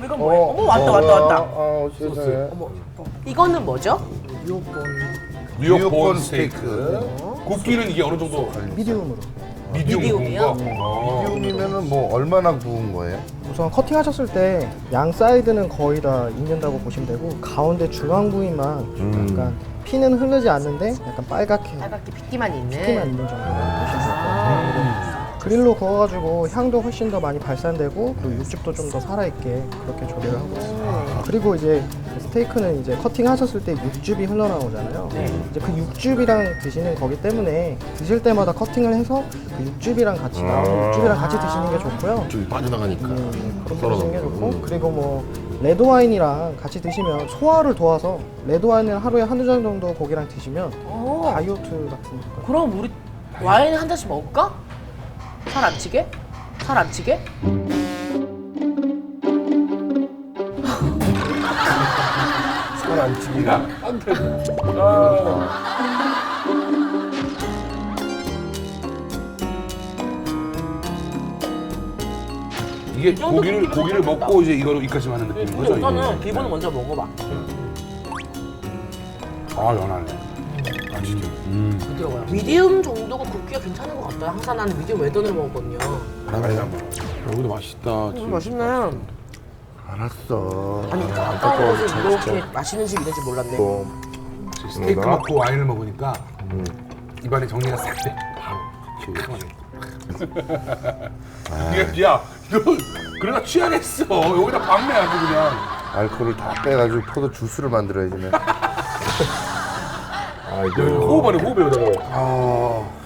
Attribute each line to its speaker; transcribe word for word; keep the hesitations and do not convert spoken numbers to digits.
Speaker 1: 이건 뭐예요? 어머, 왔다, 왔다, 왔다.
Speaker 2: 어, 세상에.
Speaker 1: 어머, 이거는 뭐죠?
Speaker 3: 뉴욕 본 스테이크. 굽기는 이게 어느 정도
Speaker 4: 미디움으로.
Speaker 3: 미디움
Speaker 1: 미디움이요?
Speaker 3: 구운 거? 어.
Speaker 2: 미디움이면은 뭐 얼마나 구운 거예요?
Speaker 4: 우선 커팅하셨을 때 양 사이드는 거의 다 익는다고 보시면 되고 가운데 중앙 부위만
Speaker 2: 음.
Speaker 4: 약간 피는 흐르지 않는데 약간 빨갛게
Speaker 1: 빨갛게 핏기만 있는.
Speaker 4: 피만 있는 정도로 보시면 돼요.
Speaker 1: 아,
Speaker 4: 그릴로 구워가지고 향도 훨씬 더 많이 발산되고 또 육즙도 좀 더 살아있게 그렇게 조리를 하고 있습니다. 그리고 이제 스테이크는 이제 커팅하셨을 때 육즙이 흘러나오잖아요.
Speaker 1: 네.
Speaker 4: 이제 그 육즙이랑 드시는 거기 때문에 드실 때마다 커팅을 해서 그 육즙이랑 같이 나오는 육즙이랑 같이 드시는 게 좋고요.
Speaker 2: 좀 빠져나가니까.
Speaker 4: 음, 그렇게 드시는 게 좋고 그리고 뭐 레드 와인이랑 같이 드시면 소화를 도와서 레드 와인을 하루에 한두 잔 정도 고기랑 드시면
Speaker 1: 어.
Speaker 4: 다이어트 같은 거.
Speaker 1: 그럼 우리 와인 한 잔씩 먹을까? 살 안 치게? 살 안 치게?
Speaker 2: 살안 찌기가.
Speaker 3: 이게 고기를 고기를 먹고 이제 이거로 이까지 하는 느낌인 거죠? 이게?
Speaker 1: 우선은 기본을 먼저 먹어봐.
Speaker 3: 아 연하네. 아 진짜. 음.
Speaker 1: 부드러워요. 미디움 정도가 굽기가 괜찮은 것 같아요. 항상 나는 미디움 웰던을 먹었거든요.
Speaker 3: 여기도 맛있다.
Speaker 1: 음, 맛있네.
Speaker 2: 알았어.
Speaker 1: 아니, 가까운 곳에 이렇게 맛있는 집 있는지 몰랐네.
Speaker 2: 또
Speaker 3: 스테이크
Speaker 2: 뭔가?
Speaker 3: 먹고 와인을 먹으니까
Speaker 2: 음.
Speaker 3: 입안에 정리가 싹 돼. 바로. 이게 야 이거 그러다 취하겠어. 여기다 박내 아주 그냥.
Speaker 2: 알코올을 다 빼가지고 포도 주스를 만들어야지. 네.
Speaker 3: 호흡하네 호흡에 여기다가.
Speaker 2: 아,